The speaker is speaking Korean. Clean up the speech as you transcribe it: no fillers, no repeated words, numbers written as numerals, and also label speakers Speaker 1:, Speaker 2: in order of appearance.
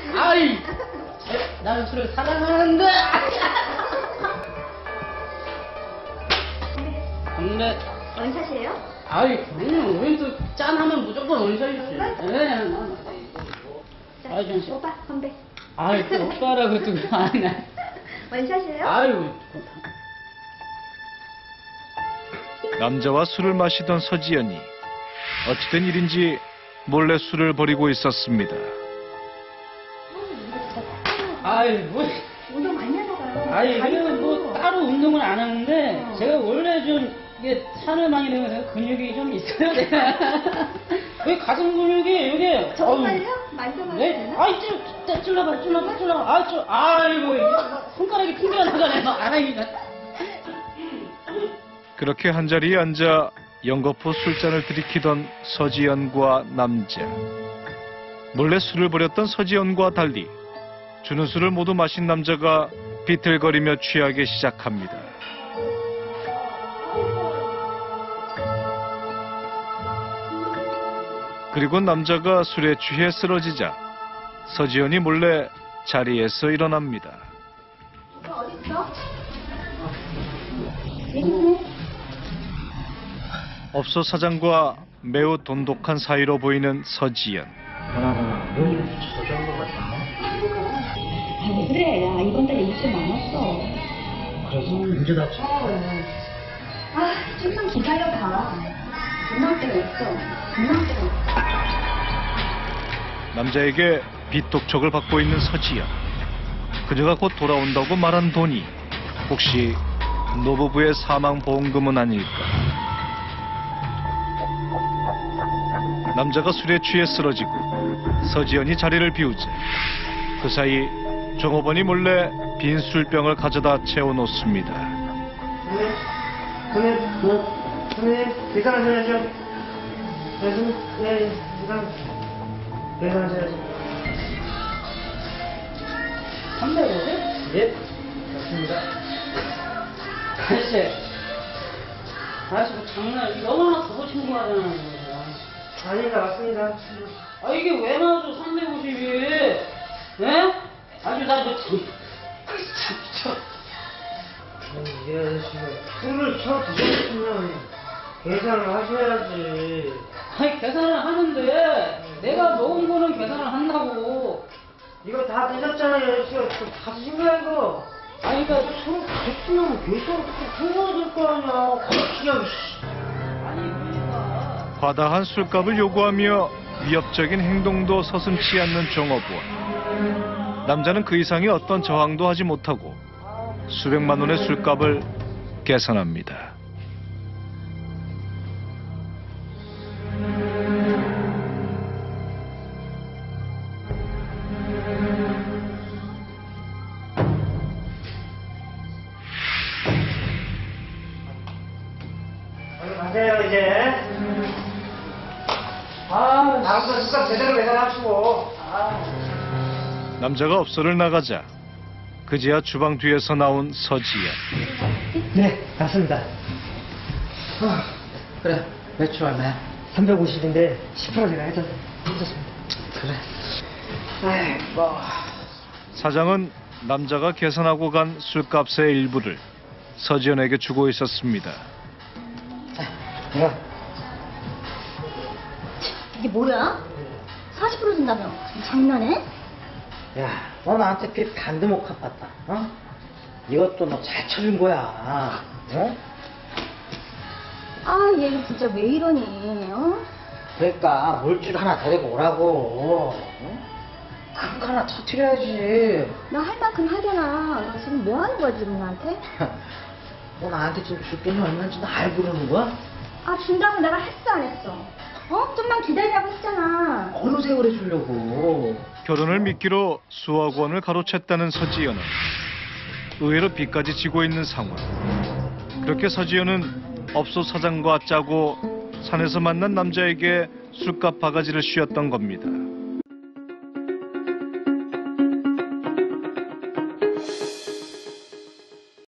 Speaker 1: 아이, 나는 술을 사랑하는데. 근데
Speaker 2: 원샷이에요?
Speaker 1: 아이, 그냥 우리도 짠하면 무조건 원샷이지. 네.
Speaker 2: 자,
Speaker 1: 아이, 좀
Speaker 2: 오빠 건배.
Speaker 1: 아이, 또 오빠라고 또 아니.
Speaker 2: 원샷이에요?
Speaker 1: 아유.
Speaker 3: 남자와 술을 마시던 서지연이 어찌된 일인지 몰래 술을 버리고 있었습니다.
Speaker 1: 아이, 뭐.
Speaker 2: 운동 많이 하다가.
Speaker 1: 아니, 그래도 뭐 따로 운동을 안 하는데 제가 원래 좀 이게 살을 많이 내면서 근육이 좀 있어요. 내가 왜 가슴 근육이 이게
Speaker 2: 정말요? 만져봐도
Speaker 1: 네?
Speaker 2: 되나?
Speaker 1: 아이 찔러봐. 아이고 손가락이 튕겨 나가네. 아이고.
Speaker 3: 그렇게 한자리에 앉아 연거푸 술잔을 들이키던 서지연과 남자. 몰래 술을 버렸던 서지연과 달리 주는 술을 모두 마신 남자가 비틀거리며 취하기 시작합니다. 그리고 남자가 술에 취해 쓰러지자 서지연이 몰래 자리에서 일어납니다.
Speaker 2: 오빠 어딨어?
Speaker 3: 업소 사장과 매우 돈독한 사이로 보이는 서지연.
Speaker 2: 왜 그래? 야, 이번 달에 일좀 많았어.
Speaker 1: 그래서 언제 다쳐?
Speaker 2: 아, 좀만 기다려봐. 금방 때가 있어. 금방 때가 있어.
Speaker 3: 남자에게 빚독촉을 받고 있는 서지연. 그녀가 곧 돌아온다고 말한 돈이 혹시 노부부의 사망보험금은 아닐까? 남자가 술에 취해 쓰러지고 서지연이 자리를 비우자 그 사이 종업원이 몰래 빈 술병을 가져다 채워놓습니다.
Speaker 4: 선생님, 계산하셔야죠. 계산하셔야죠.
Speaker 1: 350? 예.
Speaker 4: 맞습니다.
Speaker 1: 아저씨 뭐 장난 너무나 그거 신고하잖아.
Speaker 4: 아니다, 맞습니다.
Speaker 1: 아 이게 왜 나와줘 350이? 예? 아주 나뭐 미쳐.
Speaker 4: 이 아저씨가 술을 쳐드셨으면 계산을 하셔야지.
Speaker 1: 아니 계산을 하는데 내가 먹은 거는 계산을 한다고.
Speaker 4: 이거 다 드셨잖아요, 아저씨가. 다 드신 거야, 이거.
Speaker 1: 아니 그러니까
Speaker 4: 술 됐으면 계산 해야 될 거 아니야. 그냥,
Speaker 1: 아니 그러니까
Speaker 3: 과다한 술값을 요구하며 위협적인 행동도 서슴지 않는 종업원. 남자는 그 이상의 어떤 저항도 하지 못하고 수백만 원의 술값을 계산합니다.
Speaker 4: 얼른 가세요, 이제. 다음부터 술값 제대로 계산하시고.
Speaker 3: 남자가 업소를 나가자 그제야 주방 뒤에서 나온 서지연.
Speaker 4: 네, 맞습니다.
Speaker 1: 그래 매출 얼마야?
Speaker 4: 350인데 10% 제가 해줬습니다.
Speaker 1: 그래. 아이고.
Speaker 3: 사장은 남자가 계산하고 간 술값의 일부를 서지연에게 주고 있었습니다.
Speaker 4: 내가
Speaker 2: 이게 뭐야? 40% 준다며? 장난해?
Speaker 5: 야, 너 나한테 빚 반도 못 갚았다, 어? 이것도 너 잘 쳐준 거야, 어?
Speaker 2: 아, 얘 진짜 왜 이러니? 어?
Speaker 5: 그러니까 물줄 하나 데리고 오라고, 어? 큰 거 하나 터뜨려야지.
Speaker 2: 나 할 만큼 하잖아. 너 지금 뭐 하는 거야, 지금 나한테?
Speaker 5: 너 나한테 지금 줄 돈이 얼마인지 너 알고 그러는 거야?
Speaker 2: 아, 준다고 내가 했어, 안 했어? 어? 좀만 기다리라고 했잖아.
Speaker 5: 어느 세월에 주려고.
Speaker 3: 결혼을 미끼로 수억 원을 가로챘다는 서지연은 의외로 빚까지 지고 있는 상황. 그렇게 서지연은 업소 사장과 짜고 산에서 만난 남자에게 술값 바가지를 씌웠던 겁니다.